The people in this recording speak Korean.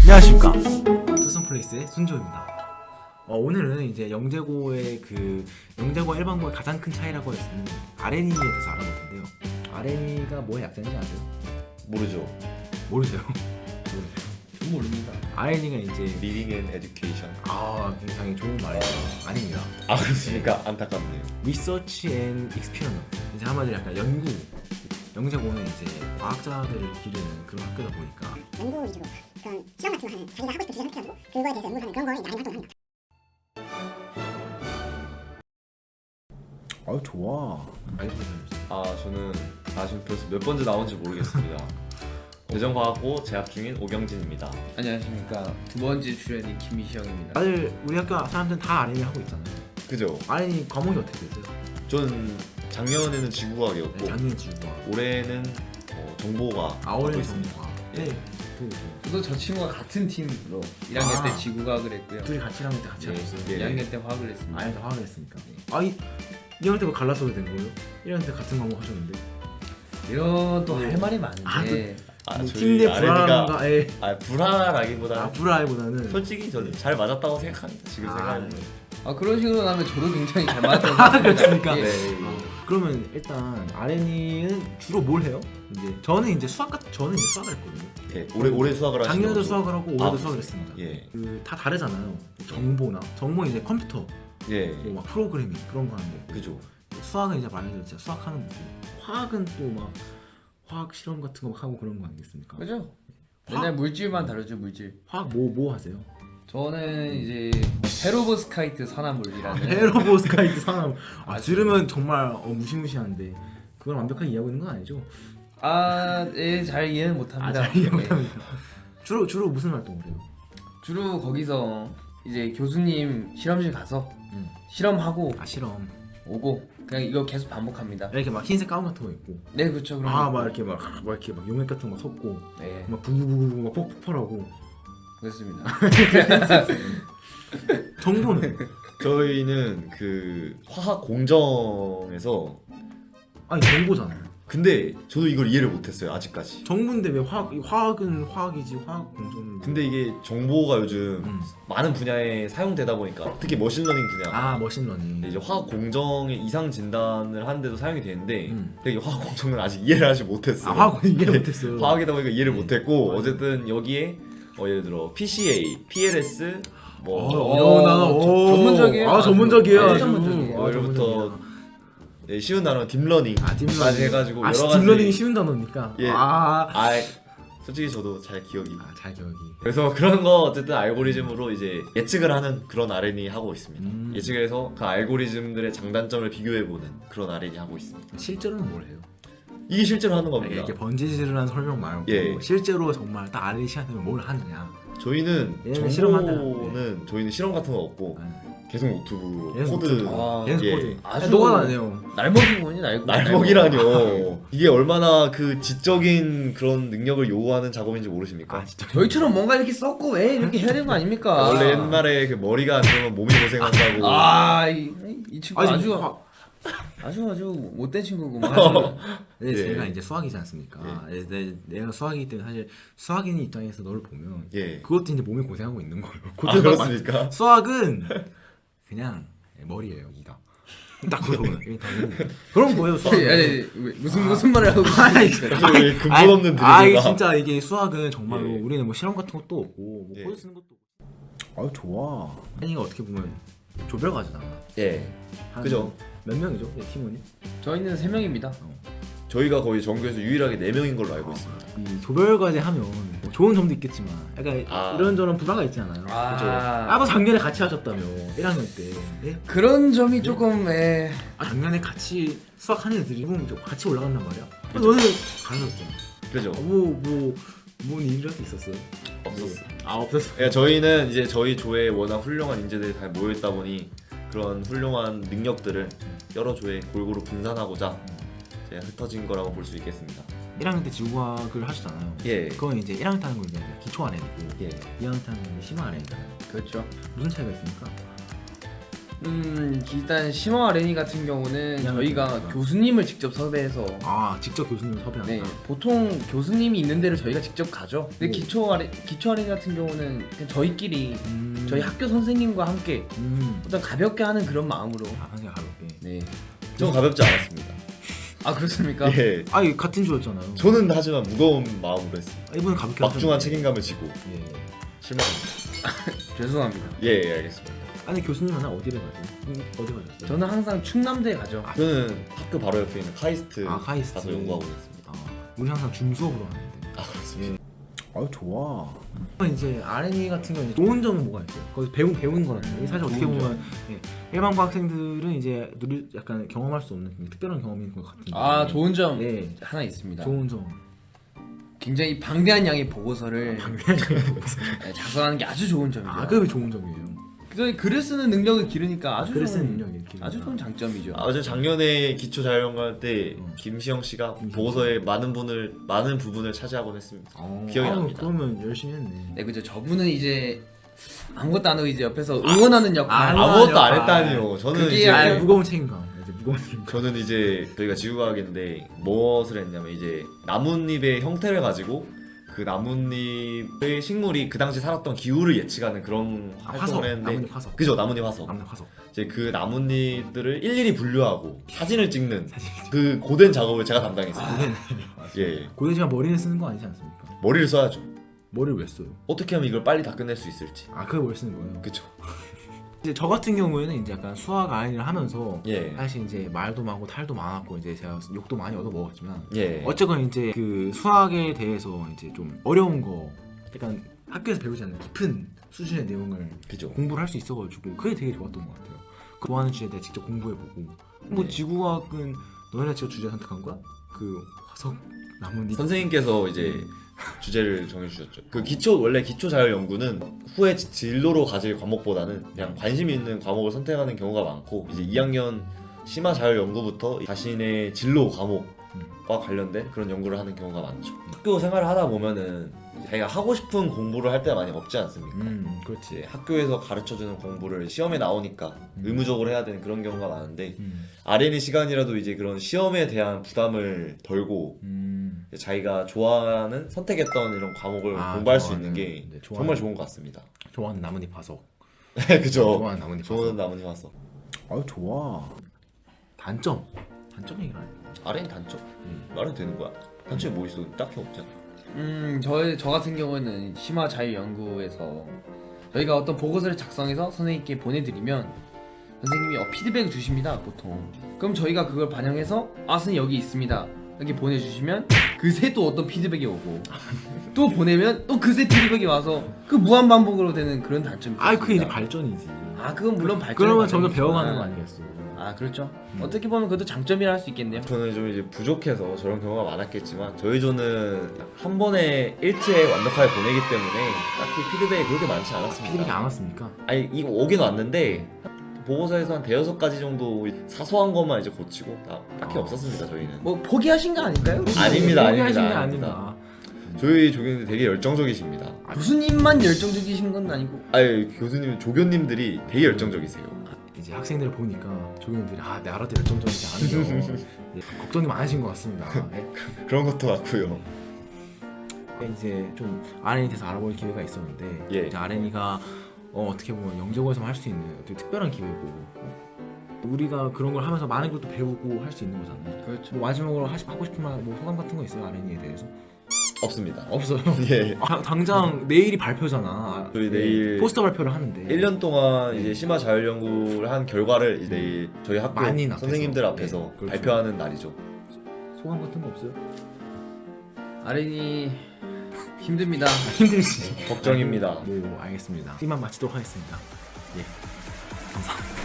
안녕하십니까, 투썸플레이스의 순조입니다. 오늘은 이제 영재고의 영재고와 일반고의 가장 큰 차이라고 할 수 있는 RNE에 대해서 알아볼 텐데요. RNE가 뭐의 약자인지 아세요? 모르죠. 모르세요? 전 모릅니다. RNE가 이제 Reading and Education. 굉장히 좋은 말이죠. 아닙니다. 아 그렇습니까? 안타깝네요. Research and Experiment. 이제 한마디로 약간 연구. 영재고는 이제 과학자들을 기르는 그런 학교다 보니까 연구 위주로 그런 실험 같은 거 하는 자기가 하고 싶은 주제 선택하고 그거에 대해서 연구하는 그런 거에 나름 활동을 합니다. 아유 좋아. 저는 지금 벌써 몇 번째 나온지 모르겠습니다. 대전과학고 재학 중인 오경진입니다. 안녕하십니까. 두 번째 출연인 김희영입니다. 다들 우리 학교 사람들은 다 RNE 하고 있잖아요. 그죠? RNE 과목이 어떻게 되세요? 전 작년에는 지구과학이었고 작년 지구과학. 올해는 정보가 하고 올해는 있습니다. 정보과학. 예. 네. 저도 저 친구가 같은 팀으로 1학년 때 지구과학을 했고요. 둘이 같이 1학년 때 같이 예, 하셨어요. 예. 2학년 때 화학을 했습니다. 아예 다 화학을 했으니까. 2학년 때 뭐 갈라서도 된 거예요? 1학년 때 같은 과목 하셨는데. 이런 또 할 말이 많은데 뭐 저희 팀 내 불안함과 불안하기보다는 불화라기보다는 솔직히 저는 잘 맞았다고 생각합니다. 지금 생각해보면. 그런 식으로 하면 저도 굉장히 잘 맞았던 그렇습니까? 예. 네. 그러면 일단 RNE는 주로 뭘 해요? 저는 이제 수학을 했거든요. 예, 올해 수학을 하시는 작년에도 거죠? 수학을 하고 올해도 아, 수학을 했습니다. 예. 다 다르잖아요. 정보는 이제 컴퓨터, 예. 막 프로그래밍 그런 거 하는 거고. 그죠. 수학은 이제 말해서 진짜 수학하는 거고. 화학은 또 막 화학 실험 같은 거 막 하고 그런 거 아니겠습니까? 그죠? 맨날 물질만 다루죠, 물질. 화학 뭐 하세요? 저는 이제 페로브스카이트 산화물이라는 페로보스카이트 산화. 들으면 정말 무시무시한데 그걸 완벽하게 이해하고 있는 건 아니죠? 예, 잘 이해는 못합니다. 잘 이해 네. 못합니다. 주로 무슨 활동을 해요? 주로 거기서 이제 교수님 실험실 가서 실험하고 실험. 오고 그냥 이거 계속 반복합니다. 이렇게 막 흰색 가운 같은 거 입고. 네, 그렇죠. 그럼 막 이렇게 막 용액 같은 거 섞고 네, 막 부부부부 막 폭발하고. 그렇습니다. 정보는 저희는 그 화학 공정에서 정보잖아요. 근데 저도 이걸 이해를 못했어요 아직까지. 정보인데 왜 화학은 화학이지 화학 공정은 근데 이게 정보가 요즘 음. 많은 분야에 사용되다 보니까 특히 머신러닝 분야 머신러닝. 근데 이제 화학 공정의 이상 진단을 하는데도 사용이 되는데 근데 이 화학 공정은 아직 이해를 하지 못했어요. 화학 이해 못했어요. 화학이다 보니까 이해를 못했고 맞아요. 어쨌든 여기에 예를 들어 PCA, PLS 이런 단어 전문적이에요. 전문적이에요. 아주 아주. 전문적이에요. 이제부터 쉬운 단어 딥러닝 딥러닝 해가지고 여러 가지 딥러닝이 쉬운 단어니까. 예. 솔직히 저도 잘 기억이 잘 기억이. 그래서 그런 거 어쨌든 알고리즘으로 이제 예측을 하는 그런 R&D 하고 있습니다. 예측을 해서 그 알고리즘들의 장단점을 비교해보는 그런 R&D 하고 있습니다. 실제로는 뭘 해요? 이게 실제로 하는 겁니다. 이렇게 번지질을 설명 말고 예. 실제로 정말 딱 R&D 시간 되면 뭘 하느냐. 저희는 얘는 정보는 저희는 실험 같은 거 없고 네. 계속 노트북으로 계속 코드 노트북. 계속 예. 코드. 아주 녹아다녀요. 날먹이군요, 날먹이라뇨. 이게 얼마나 그 지적인 그런 능력을 요구하는 작업인지 모르십니까? 진짜. 저희처럼 뭔가 이렇게 썼고 왜 이렇게 해야 되는 거 아닙니까? 원래 옛날에 그 머리가 안 좋으면 몸이 고생한다고. 이 친구 아주 못된 친구구만. 네, 예. 제가 이제 수학이지 않습니까? 내가 수학이기 때문에 사실 수학인 입장에서 너를 보면 예. 그것도 이제 몸이 고생하고 있는 거예요. 그렇습니까? 수학은 그냥 머리예요, 이가. 딱 그거는. 그럼 뭐예요, 수학? 무슨 말을 하고 계십니까? 왜 근본 없는 드립인가? 진짜 이게 수학은 정말로 예. 우리는 뭐 실험 같은 것도 없고 뭐 예. 코드 쓰는 것도 없고. 좋아. 아니가 어떻게 보면 조별과제잖아. 예. 그죠. 몇 명이죠, 팀원이? 저희는 3명입니다. 저희가 거의 전교에서 유일하게 4명인 걸로 알고 있습니다. 이 조별과제 하면 뭐 좋은 점도 있겠지만 약간 이런저런 부담가 있잖아요. 나도 작년에 같이 하셨다며 1학년 때. 예? 그런 점이 조금 작년에 같이 수학하는 애들이 같이 올라간단 말이야. 너는 갈라졌잖아. 그죠. 뭔 일이라도 있었어요? 없었어. 없었어. 그러니까 저희는 이제 저희 조에 워낙 훌륭한 인재들이 다 모여있다 보니 그런 훌륭한 능력들을 여러 조에 골고루 분산하고자 이제 흩어진 거라고 볼 수 있겠습니다. 1학년 때 지구과학을 하시잖아요. 예. 그건 이제 1학년 때 하는 건 이제 기초 RN이고 예. 2학년 때 하는 건 심화 RN이잖아요. 그렇죠. 무슨 차이가 있습니까? 일단 심화 아레니 같은 경우는 그냥 저희가 그렇구나. 교수님을 직접 섭외해서 아 직접 교수님을 섭외한다. 네, 보통 교수님이 있는 데를 저희가 직접 가죠. 근데 오. 기초 아레니 같은 경우는 그냥 저희끼리 저희 학교 선생님과 함께 어떤 가볍게 하는 그런 마음으로. 아 그냥 가볍게. 네. 좀 가볍지 않았습니다. 아 그렇습니까? 예. 아니 같은 조였잖아요. 저는 하지만 무거운 마음으로 했습니다. 이분은 가볍게 막중한 하셨는데. 책임감을 지고 예. 실망합니다. 죄송합니다. 예, 알겠습니다. 아니 교수님은 어디를 가세요? 어디 가셨어요? 저는 항상 충남대에 가죠. 저는 학교 바로 옆에 있는 카이스트, 아, 카이스트. 가서 연구하고 있습니다. 아, 우리 항상 줌 수업으로 하는데. 아, 그렇습니다. 아유 좋아. 이제 R&E 같은 경우는 좋은 점은 뭐가 있어요? 거기서 배우는 거라는 사실 어떻게 보면 예, 일반고 학생들은 이제 약간 경험할 수 없는 특별한 경험인 것 같은데. 아 좋은 점 네. 하나 있습니다. 좋은 점. 굉장히 방대한 양의 보고서를 보고서. 네, 작성하는 게 아주 좋은 점이죠. 아 그게 좋은 점이에요. 그래서 글을 쓰는 능력을 기르니까 아주 글을 좋은, 쓰는 능력이 이렇게 아주 좋은 장점이죠. 저 작년에 기초 자율연구할 때 김시영 씨가 보고서의 많은 부분을 차지하곤 했습니다. 기억이 납니다. 그러면 열심히 했네. 네 그죠. 저분은 이제 아무것도 안 하고 이제 옆에서 응원하는 역할. 아무것도 안 역할. 했다니요. 저는 그게 이제 아예 무거운 책임감. 이제 무거운 책임감. 저는 이제 저희가 지구과학인데 무엇을 했냐면 이제 나뭇잎의 형태를 가지고 그 나뭇잎의 식물이 그 당시 살았던 기후를 예측하는 그런 화석, 활동을 했는데 나뭇잎 화석. 그죠, 나뭇잎 화석. 남는 화석. 이제 그 나뭇잎들을 일일이 분류하고 사진을 찍는 사진. 그 고된 작업을 제가 담당했어요. 예, 고대 시간 머리를 쓰는 거 아니지 않습니까? 머리를 써야죠. 머리를 왜 써요? 어떻게 하면 이걸 빨리 다 끝낼 수 있을지. 아 그걸 왜 쓰는 거예요? 그쵸. 이제 저 같은 경우에는 이제 약간 수학 R&E를 하면서 예, 사실 이제 말도 많고 탈도 많았고 이제 제가 욕도 많이 얻어 먹었지만 예. 어쨌건 이제 그 수학에 대해서 이제 좀 어려운 거 약간 학교에서 배우지 않는 깊은 수준의 내용을 그죠. 공부를 할 수 있어가지고 그게 되게 좋았던 것 같아요. 그 좋아하는 주제에 대해 직접 공부해보고 뭐 네. 지구과학은 너네가 직접 주제 선택한 거야? 그 화석 나뭇잎 선생님께서 이제 주제를 정해주셨죠. 그 원래 기초 자율 연구는 후에 진로로 가질 과목보다는 그냥 관심 있는 과목을 선택하는 경우가 많고 이제 2학년 심화 자율 연구부터 자신의 진로 과목과 관련된 그런 연구를 하는 경우가 많죠. 학교 생활을 하다 보면은 자기가 하고 싶은 공부를 할 때가 많이 없지 않습니까? 그렇지. 이제 학교에서 가르쳐주는 공부를 시험에 나오니까 의무적으로 해야 되는 그런 경우가 많은데 R&E 시간이라도 이제 그런 시험에 대한 부담을 덜고 자기가 좋아하는 선택했던 이런 과목을 아, 공부할 수 좋아하는- 있는 게 네, 정말 좋은 것 같습니다. 좋아하는 나뭇잎 화석. 그죠? 좋아하는 나뭇잎 좋은 화석. 나뭇잎 화석. 아유 좋아. 단점 얘기를 안 해. R&E 단점? 말은 되는 거야. 단점이 뭐 있어? 딱히 없잖아. 저 같은 경우는 심화 자유 연구에서 저희가 어떤 보고서를 작성해서 선생님께 보내드리면 선생님이 피드백을 주십니다 보통. 그럼 저희가 그걸 반영해서 선생님 여기 있습니다 이렇게 보내주시면 그새 또 어떤 피드백이 오고 또 보내면 또 그새 피드백이 와서 그 무한 반복으로 되는 그런 단점이 아 그게 이제 있습니다. 발전이지. 그건 물론 발전. 그러면 점점 배워가는 거 아니겠어? 그렇죠. 어떻게 보면 그것도 장점이라 할 수 있겠네요. 저는 좀 이제 부족해서 저런 경우가 많았겠지만 저희 조는 한 번에 일체에 완벽하게 보내기 때문에 딱히 피드백이 그렇게 많지 않았습니다. 피드백이 안 왔습니까? 아니 이거 오긴 왔는데 보고서에서 한 대여섯 가지 정도 사소한 것만 이제 고치고 딱히 없었습니다 저희는. 뭐 포기하신 거 아닐까요? 아닙니다, 포기하신 게 아닙니다. 아닙니다. 저희 조교님들 되게 열정적이시니다. 교수님만 열정적이신 건 아니고. 아니 교수님 조교님들이 되게 열정적이세요. 이제 학생들을 보니까 조교님들이 나라도 열정적이지 않은데 네, 걱정이 많으신 것 같습니다. 네. 그런 것도 같고요. 이제 좀 R&E에 대해서 알아볼 기회가 있었는데 예. 이제 R&E가 어떻게 보면 영재고에서만 할 수 있는 되게 특별한 기회고 우리가 그런 걸 하면서 많은 것도 배우고 할 수 있는 거잖아요. 그렇죠. 뭐 마지막으로 하고 싶은 말, 뭐 소감 같은 거 있어요? R&E에 대해서? 없습니다. 없어요. 예. 당장 내일이 발표잖아. 저희 내일 포스터 발표를 하는데 1년 동안 이제 심화 자율 연구를 한 결과를 이제 내일 저희 학교 만인 앞에서. 선생님들 앞에서 네, 그렇죠. 발표하는 날이죠. 소감 같은 거 없어요? R&E 힘듭니다. 힘들지. 걱정입니다. 네, 알겠습니다. 이만 마치도록 하겠습니다. 예, 감사합니다.